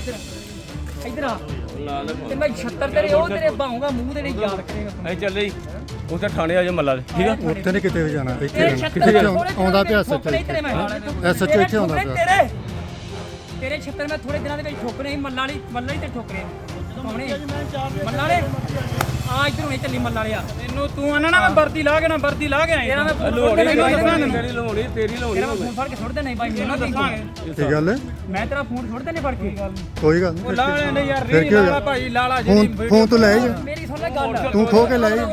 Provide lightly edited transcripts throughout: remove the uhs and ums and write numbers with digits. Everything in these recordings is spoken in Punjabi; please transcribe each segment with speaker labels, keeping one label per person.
Speaker 1: इधर ते मैं 76 तेरे ओ तेरे बाहूंगा मुंह तेरे याद करेगा
Speaker 2: ਅਸੀਂ ਚੱਲੇ ਜੀ ਉੱਥੇ ਥਾਣੇ ਆ ਜਾ ਮੱਲਾ ਦੇ ਠੀਕ ਆ
Speaker 3: ਉੱਥੇ ਨਹੀਂ ਕਿਤੇ ਵੀ ਜਾਣਾ ਇੱਥੇ ਰਹਿਣਾ ਕਿੱਥੇ ਆਉਂਦਾ ਪਿਆ ਸੱਚਾ ਐਸਐਚਓ ਇੱਥੇ ਆਉਂਦਾ ਪਿਆ
Speaker 1: ਤੇਰੇ 76 ਮੈਂ ਥੋੜੇ ਦਿਨਾਂ ਦੇ ਵਿੱਚ ਠੋਕਰੇ ਸੀ ਮੱਲਾ ਵਾਲੀ ਤੇ ਠੋਕਰੇ ਕੌਣੇ ਮੱਲਾ ਵਾਲੇ ਆ ਇਧਰ ਹੁਣੇ ਚੱਲੀ ਮੱਲਾ ਵਾਲਿਆ ਤੈਨੂੰ ਤੂੰ ਆਣਾ ਨਾ ਮੈਂ ਵਰਦੀ ਲਾ ਕੇ ਤੇਰਾ ਮੈਂ
Speaker 2: ਲੋੜੀ ਤੇਰੀ ਲਾਉਣੀ
Speaker 1: ਤੇਰਾ ਮੈਂ ਫੋਨ ਫੜ ਕੇ ਸੁੱਟ ਦੇਣਾ ਬਾਈ ਮੈਨੂੰ ਦੱਸਾਂਗੇ
Speaker 3: ਕੀ ਗੱਲ ਹੈ
Speaker 1: ਮੈਂ ਤੇਰਾ ਫੋਨ ਸੁੱਟ ਦੇਣੇ ਫੜ ਕੇ
Speaker 3: ਕੋਈ ਗੱਲ ਨਹੀਂ
Speaker 1: ਲਾ ਲੈਣੇ ਯਾਰ
Speaker 3: ਫਿਰ ਕੀ ਹੋਇਆ
Speaker 1: ਭਾਈ ਲਾਲਾ
Speaker 3: ਫੋਨ ਤੋਂ ਲੈ ਜਾ
Speaker 1: ਮੇਰੀ ਸੁਣ ਲੈ ਗੱਲ
Speaker 3: ਤੂੰ ਖੋ ਕੇ ਲੈ ਜਾ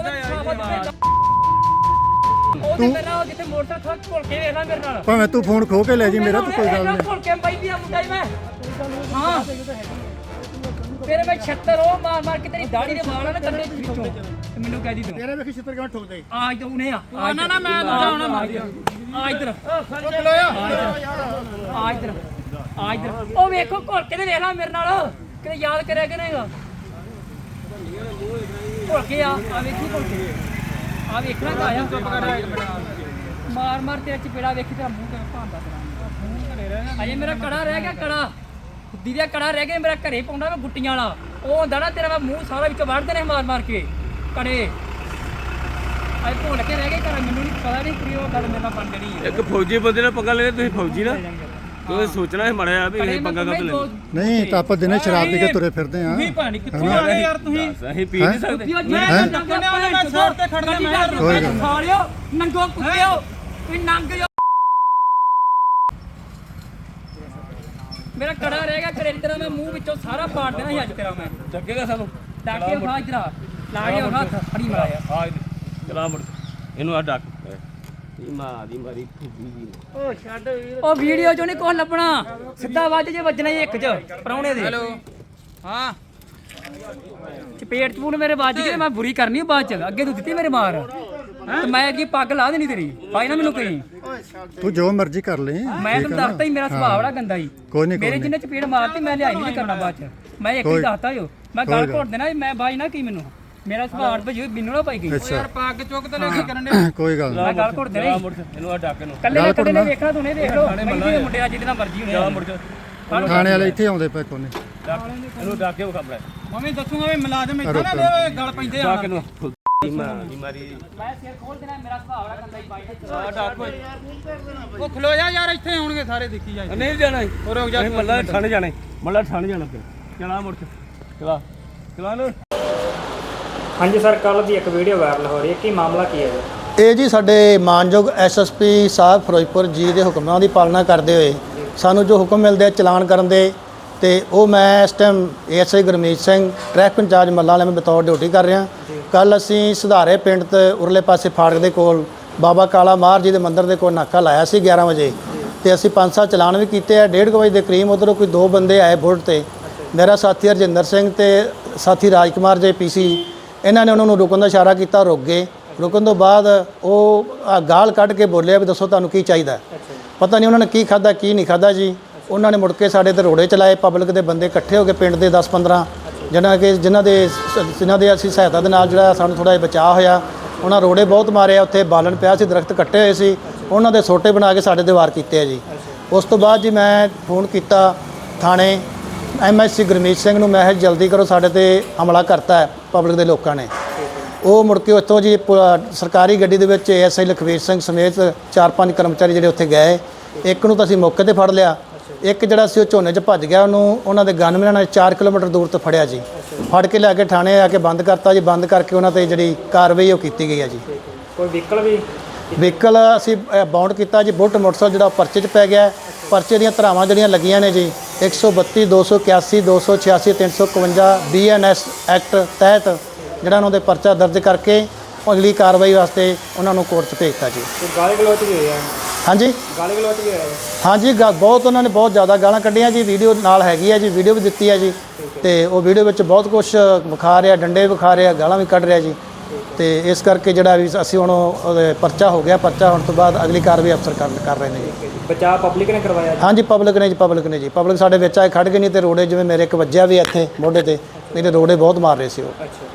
Speaker 1: ਤੂੰ ਮੇਰਾ ਜਿੱਥੇ ਮੋਟਰਸਾਈਕਲ ਘੁਲ ਕੇ ਵੇਖ ਲੈ ਮੇਰੇ ਨਾਲ
Speaker 3: ਭਾਵੇਂ ਤੂੰ ਫੋਨ ਖੋ ਕੇ ਲੈ ਜੀ ਮੇਰਾ ਤਾਂ ਕੋਈ ਗੱਲ ਨਹੀਂ
Speaker 1: ਘੁਲ ਕੇ ਬਾਈ ਦੀ ਮੁੰਡਾ ਹੀ ਮੈਂ ਹਾਂ ਤੇਰੇ ਮੈਂ 76 ਉਹ ਮਾਰ ਕੇ ਤੇਰੀ ਦਾੜੀ ਦੇ ਵਾਲ ਨਾ ਕੰਨੇ ਵਿੱਚੋਂ ਤੇ ਮੈਨੂੰ ਕਹਿ ਦੀ ਤੂੰ
Speaker 3: ਤੇਰੇ ਵੇਖੀ ਛਿੱਤਰ ਕਿਵੇਂ ਠੋਕਦੇ
Speaker 1: ਆ ਇਧਰ ਉਹਨੇ ਆ ਨਾ ਮੈਂ ਦੂਜਾ ਹੁਣ ਮਾਰ ਦਿਆ ਆ ਇਧਰ ਆ ਇਧਰ ਉਹ ਵੇਖੋ ਘੁਲ ਕੇ ਤੇ ਵੇਖ ਲੈ ਮੇਰੇ ਨਾਲ ਕਿਤੇ ਯਾਦ ਕਰਿਆ ਕਿ ਨਹੀਂਗਾ ਘੁਲ ਕੇ ਆ ਵੇਖੀ ਘੁਲ ਕੇ ਆ ਵੇਖਣਾ ਤਾਂ ਆਇਆ ਚੁੱਪ ਕਰ ਮਾਰ ਤੇਰਾ ਚਪੇੜਾ ਵੇਖੀ ਤੇਰਾ ਮੂੰਹ ਕਿਵੇਂ ਭਾਂਦਾ ਤੇਰਾ ਅਜੇ ਮੇਰਾ ਕੜਾ ਰਹਿ ਗਿਆ ਕੜਾ ਖੁੱਦੀ ਦਾ ਕੜਾ ਰਹਿ ਗਿਆ ਮੇਰਾ ਘਰੇ ਪਾਉਂਦਾ ਮੈਂ ਗੁੱਟੀਆਂ ਵਾਲਾ ਉਹ ਹੁੰਦਾ ਨਾ ਤੇਰਾ ਮੂੰਹ ਸਾਰਾ ਵਿੱਚ ਵੜਦੇ ਨੇ ਮਾਰ ਕੇ ਕੜੇ ਅਜੇ ਭੁੱਲ ਕੇ ਰਹਿ ਗਏ ਘਰ ਮੈਨੂੰ ਨਹੀਂ ਪਤਾ ਨਹੀਂ ਕਿ ਉਹ ਗੱਲ ਮੇਰੇ ਨਾਲ ਬਣ ਜਣੀ ਹੈ
Speaker 2: ਇੱਕ ਫੌਜੀ ਬੰਦੇ ਨਾਲ ਪੰਗਾ ਲੈ ਤੁਸੀਂ ਫੌਜੀ ਨਾ ਤੁਸੀਂ ਸੋਚਣਾ ਹੈ ਮੜਿਆ ਵੀ ਇਹ ਪੰਗਾ ਕਦ ਲੈ
Speaker 3: ਨਹੀਂ ਤਾਂ ਆਪਾਂ ਦਿਨੇ ਸ਼ਰਾਬ ਪੀ ਕੇ ਤੁਰੇ ਫਿਰਦੇ ਆ
Speaker 1: ਤੁਸੀਂ ਭਾਣੀ ਕਿੱਥੋਂ ਆ ਗਏ ਯਾਰ ਤੁਸੀਂ
Speaker 2: ਅਸੀਂ ਪੀ ਨਹੀਂ ਸਕਦੇ
Speaker 1: ਮੈਂ ਨੰਗਣੇ ਵਾਲੇ ਮੈਂ ਸੋਰ ਤੇ ਖੜਨਾ ਮੈਂ ਖਾ ਲਿਓ ਨੰਗੋ ਕੁੱਤਿਓ ਤੁਸੀਂ ਨੰਗ ਜੋ ਮੇਰਾ ਕੜਾ ਰਹਿ ਗਿਆ ਘਰੇ ਤੇਰਾ ਮੈਂ ਮੂੰਹ ਵਿੱਚੋਂ ਸਾਰਾ ਪਾੜ ਦੇਣਾ ਸੀ ਅੱਜ ਤੇਰਾ ਮੈਂ
Speaker 2: ਚੱਕੇਗਾ ਸਾਨੂੰ
Speaker 1: ਡਾਕੇ ਖਾ ਇਧਰ ਲਾ ਕੇ ਹੱਥ ਫੜੀ ਮਾਰਿਆ
Speaker 2: ਆ ਚਲਾ ਮੁੜ ਇਹਨੂੰ ਆ ਡੱਕ ਮਾਂ ਦੀ ਮਾਰੀ ਖੁੱਬੀ ਜੀ
Speaker 1: ਉਹ ਛੱਡ ਉਹ ਵੀਡੀਓ ਚੋਂ ਨਹੀਂ ਕੁਝ ਲੱਭਣਾ ਸਿੱਧਾ ਵੱਜ ਜੇ ਵੱਜਣਾ ਇੱਕ ਚ ਪਰੌਣੇ ਦੇ ਹੈਲੋ ਹਾਂ ਚਪੇਟ ਚਪੂਨ ਮੇਰੇ ਵੱਜ ਗਏ ਮੈਂ ਬੁਰੀ ਕਰਨੀ ਬਾਅਦ ਚ ਅੱਗੇ ਤੂੰ ਦਿੱਤੀ ਮੇਰੇ ਮਾਰ ਤੇ ਮੈਂ ਅੱਗੇ ਪੱਗ ਲਾ ਦੇਣੀ ਤੇਰੀ ਭਾਈ ਨਾ ਮੈਨੂੰ ਕਹੀਂ
Speaker 3: ਤੂੰ ਜੋ ਮਰਜ਼ੀ ਕਰ ਲੈ
Speaker 1: ਮੈਂ ਤੈਨੂੰ ਦੱਸਤਾ ਹੀ ਮੇਰਾ ਸੁਭਾਅ ਬੜਾ ਗੰਦਾ ਹੀ
Speaker 3: ਕੋਈ ਨਹੀਂ
Speaker 1: ਮੇਰੇ ਜਿੰਨੇ ਚਪੇੜ ਮਾਰਤੀ ਮੈਂ ਲਿਆਈ ਨਹੀਂ ਕਰਨਾ ਬਾਅਦ ਚ ਮੈਂ ਇੱਕ ਹੀ ਦੱਸਤਾ ਜੋ ਮੈਂ ਗੱਲ ਘੋਟ ਦੇਣਾ ਮੈਂ ਬਾਈ ਨਾ ਕੀ ਮੈਨੂੰ ਮੇਰਾ ਸੁਭਾਅ ਭਜੂ ਮੈਨੂੰ ਨਾ ਪਾਈ ਗਈ
Speaker 3: ਯਾਰ
Speaker 1: ਪੱਗ ਚੁੱਕ ਤੇ ਲੈ ਕੇ ਕਰਨ ਦੇ
Speaker 3: ਕੋਈ ਗੱਲ ਨਹੀਂ
Speaker 1: ਮੈਂ ਗੱਲ ਘੋਟ ਦੇਣਾ
Speaker 2: ਇਹਨੂੰ ਆ ਡੱਕ ਇਹਨੂੰ
Speaker 1: ਕੱਲੇ ਨੇ ਵੇਖਣਾ ਤੂੰ ਨੇ ਵੇਖ ਲੋ ਮੈਂ ਮੁੰਡੇ ਅੱਜ ਜਿਹਦੇ ਮਰਜ਼ੀ ਹੋਣੇ
Speaker 2: ਮੁੜ
Speaker 3: ਥਾਣੇ ਵਾਲੇ ਇੱਥੇ ਆਉਂਦੇ ਪਏ ਕੋਨੇ
Speaker 2: ਇਹਨੂੰ ਡੱਕ ਕੇ ਖਬਰ
Speaker 1: ਮੰਮੀ ਦੱਸੂਗਾ ਵੀ ਮੁਲਾਜ਼ਮ ਇੱਥੇ ਨਾ ਦੇ ਗੱਲ ਪੈਂਦੇ ਆ
Speaker 2: ਡੱਕ ਇਹਨੂੰ ਮਾਂ ਦੀ ਮਾਰੀ
Speaker 1: ਮੈਂ ਸਿਰ ਖੋਲ ਦੇਣਾ ਮੇਰਾ ਸੁਭਾਅ ਬੜਾ ਗੰਦਾ ਹੀ ਬਾਈ
Speaker 2: ਆ ਡੱਕ
Speaker 1: ਉਹ ਖਲੋ ਜਾ ਯਾਰ ਇੱਥੇ ਆਉਣਗੇ ਸਾਰੇ ਦੇਖੀ ਜਾ
Speaker 2: ਨਹੀਂ ਜਾਣਾ
Speaker 1: ਰੁਕ ਜਾ
Speaker 2: ਮੱਲਾ ਠੰਡ ਜਾਣਾ ਮੱਲਾ ਠੰਡ ਜਾਣਾ ਫਿਰ ਚਲਾ ਮੁੜ ਚਲਾ ਲੋ
Speaker 4: ਹਾਂਜੀ ਸਰ ਕੱਲ੍ਹ ਦੀ ਇੱਕ ਵੀਡੀਓ ਵਾਇਰਲ ਹੋ ਰਹੀ ਹੈ ਕੀ ਮਾਮਲਾ ਕੀ ਹੈ
Speaker 5: ਇਹ ਜੀ ਸਾਡੇ ਮਾਨਯੋਗ ਐਸਐਸਪੀ ਸਾਹਿਬ ਫਿਰੋਜ਼ਪੁਰ ਜੀ ਦੇ ਹੁਕਮਾਂ ਦੀ ਪਾਲਣਾ ਕਰਦੇ ਹੋਏ ਸਾਨੂੰ ਜੋ ਹੁਕਮ ਮਿਲਦੇ ਆ ਚਲਾਨ ਕਰਨ ਦੇ ਤੇ ਉਹ ਮੈਂ ਇਸ time ASI Gurmeet Singh traffic incharge ਮੱਲਾ ਵਾਲੇ ਮੈਂ ਬਤੌਰ ਡਿਊਟੀ ਕਰ ਰਿਹਾ। ਕੱਲ ਅਸੀਂ ਸੁਧਾਰੇ ਪਿੰਡ ਤੇ ਉਰਲੇ ਪਾਸੇ ਫਾੜਕ ਦੇ ਕੋਲ ਬਾਬਾ ਕਾਲਾ ਮਾਰ ਜੀ ਦੇ ਮੰਦਿਰ ਦੇ ਕੋਲ ਨਾਕਾ ਲਾਇਆ ਸੀ 11 ਵਜੇ ਤੇ ਅਸੀਂ 5-7 ਚਲਾਨ ਵੀ ਕੀਤੇ ਆ। 1:30 ਵਜੇ ਦੇ ਕਰੀਬ ਉੱਧਰੋਂ ਕੋਈ 2 ਬੰਦੇ ਆਏ ਬੁਲਟ ਤੇ ਮੇਰਾ ਸਾਥੀ ਹਰਜਿੰਦਰ ਸਿੰਘ ਤੇ ਸਾਥੀ ਰਾਜਕੁਮਾਰ ਜੇ ਪੀਸੀ ਇਹਨਾਂ ਨੇ ਉਹਨਾਂ ਨੂੰ ਰੁਕਣ ਦਾ ਇਸ਼ਾਰਾ ਕੀਤਾ, ਰੁਕ ਗਏ। ਰੁਕਣ ਤੋਂ ਬਾਅਦ ਉਹ ਗਾਲ ਕੱਢ ਕੇ ਬੋਲਿਆ ਵੀ ਦੱਸੋ ਤੁਹਾਨੂੰ ਕੀ ਚਾਹੀਦਾ। ਪਤਾ ਨਹੀਂ ਉਹਨਾਂ ਨੇ ਕੀ ਖਾਧਾ ਕੀ ਨਹੀਂ ਖਾਧਾ ਜੀ। ਉਹਨਾਂ ਨੇ ਮੁੜ ਕੇ ਸਾਡੇ ਤੇ ਰੋੜੇ ਚਲਾਏ। ਪਬਲਿਕ ਦੇ ਬੰਦੇ ਇਕੱਠੇ ਹੋ ਕੇ ਪਿੰਡ ਦੇ 10-15 ਜਿਨ੍ਹਾਂ ਦੇ ਅਸੀਂ ਸਹਾਇਤਾ ਦੇ ਨਾਲ ਜਿਹੜਾ ਸਾਨੂੰ ਥੋੜ੍ਹਾ ਜਿਹਾ ਬਚਾਅ ਹੋਇਆ। ਉਹਨਾਂ ਰੋੜੇ ਬਹੁਤ ਮਾਰੇ ਆ। ਉੱਥੇ ਬਾਲਣ ਪਿਆ ਸੀ, ਦਰਖਤ ਕੱਟੇ ਹੋਏ ਸੀ, ਉਹਨਾਂ ਦੇ ਸੋਟੇ ਬਣਾ ਕੇ ਸਾਡੇ ਤੇ ਵਾਰ ਕੀਤੇ ਆ ਜੀ। ਉਸ ਤੋਂ ਬਾਅਦ ਜੀ ਮੈਂ ਫੋਨ ਕੀਤਾ ਥਾਣੇ ਐਮਐਸਸੀ ਗੁਰਮੀਤ ਸਿੰਘ ਨੂੰ। ਮੈਂ ਜਲਦੀ ਕਰੋ, ਸਾਡੇ ਤੇ ਹਮਲਾ ਕਰਤਾ ਹੈ ਪਬਲਿਕ ਦੇ ਲੋਕਾਂ ਨੇ। ਉਹ ਮੁੜ ਕੇ ਉੱਥੋਂ ਜੀ ਸਰਕਾਰੀ ਗੱਡੀ ਦੇ ਵਿੱਚ ਐਸਆਈ ਲਖਵੀਰ ਸਿੰਘ ਸਮੇਤ 4-5 ਕਰਮਚਾਰੀ ਜਿਹੜੇ ਉੱਥੇ ਗਏ। ਇੱਕ ਨੂੰ ਤਾਂ ਅਸੀਂ ਮੌਕੇ ਤੇ ਫੜ ਲਿਆ, ਇੱਕ ਜਿਹੜਾ ਸੀ ਉਹ ਝੋਨੇ 'ਚ ਭੱਜ ਗਿਆ। ਉਹਨੂੰ ਉਹਨਾਂ ਦੇ ਗਨਮੈਨਾਂ ਨੇ 4 ਕਿਲੋਮੀਟਰ ਦੂਰ ਤੋਂ ਫੜਿਆ ਜੀ। ਫੜ ਕੇ ਲੈ ਕੇ ਥਾਣੇ ਆ ਕੇ ਬੰਦ ਕਰਤਾ ਜੀ। ਬੰਦ ਕਰਕੇ ਉਹਨਾਂ ਤੇ ਜਿਹੜੀ ਕਾਰਵਾਈ ਉਹ ਕੀਤੀ ਗਈ ਹੈ ਜੀ।
Speaker 4: ਕੋਈ
Speaker 5: ਵਹੀਕਲ ਅਸੀਂ ਬਾਉਂਡ ਕੀਤਾ ਜੀ। ਬੁਲਟ ਮੋਟਰਸਾਈਕਲ ਜਿਹੜਾ ਪਰਚੇ 'ਚ ਪੈ ਗਿਆ। ਪਰਚੇ ਦੀਆਂ ਧਾਰਾਵਾਂ ਜਿਹੜੀਆਂ ਲੱਗੀਆਂ ਨੇ ਜੀ 132, 281, 286, 351 BNS ਐਕਟ ਤਹਿਤ ਜਿਹੜਾ ਉਹਨਾਂ ਦੇ ਪਰਚਾ ਦਰਜ ਕਰਕੇ ਅਗਲੀ ਕਾਰਵਾਈ ਵਾਸਤੇ ਉਹਨਾਂ ਨੂੰ ਕੋਰਟ 'ਚ ਭੇਜਤਾ ਜੀ।
Speaker 4: ਗਾਲੀ ਗਲੋਚ ਵੀ ਹੋਇਆ
Speaker 5: ਹਾਂਜੀ ਹਾਂਜੀ ਬਹੁਤ ਉਹਨਾਂ ਨੇ ਬਹੁਤ ਜ਼ਿਆਦਾ ਗਾਲਾਂ ਕੱਢੀਆਂ ਜੀ। ਵੀਡੀਓ ਨਾਲ ਹੈਗੀ ਹੈ ਜੀ, ਵੀਡੀਓ ਵੀ ਦਿੱਤੀ ਹੈ ਜੀ। ਤੇ ਉਹ ਵੀਡੀਓ ਵਿੱਚ ਬਹੁਤ ਕੁਝ ਵਿਖਾ ਰਿਹਾ, ਡੰਡੇ ਵਿਖਾ ਰਿਹਾ, ਗਾਲਾਂ ਵੀ ਕੱਢ ਰਿਹਾ ਜੀ। ਤੇ ਇਸ ਕਰਕੇ ਜਿਹੜਾ ਵੀ ਅਸੀਂ ਹੁਣ ਪਰਚਾ ਹੋ ਗਿਆ। ਪਰਚਾ ਹੋਣ ਤੋਂ ਬਾਅਦ ਅਗਲੀ ਕਾਰਵਾਈ ਅਫਸਰ ਕਰ ਰਹੇ ਨੇ ਜੀ।
Speaker 4: ਬਚਾਅ ਪਬਲਿਕ ਨੇ ਕਰਵਾਇਆ?
Speaker 5: ਹਾਂਜੀ ਪਬਲਿਕ ਨੇ ਜੀ। ਪਬਲਿਕ ਸਾਡੇ ਵਿੱਚ ਆਏ ਖੜ ਗਏ, ਨਹੀਂ ਤੇ ਰੋੜੇ ਜਿਵੇਂ ਮੇਰੇ ਇੱਕ ਵੱਜਿਆ ਵੀ ਇੱਥੇ ਮੋਢੇ ਤੇ, ਨਹੀਂ ਤੇ ਰੋੜੇ ਬਹੁਤ ਮਾਰ ਰਹੇ ਸੀ ਉਹ।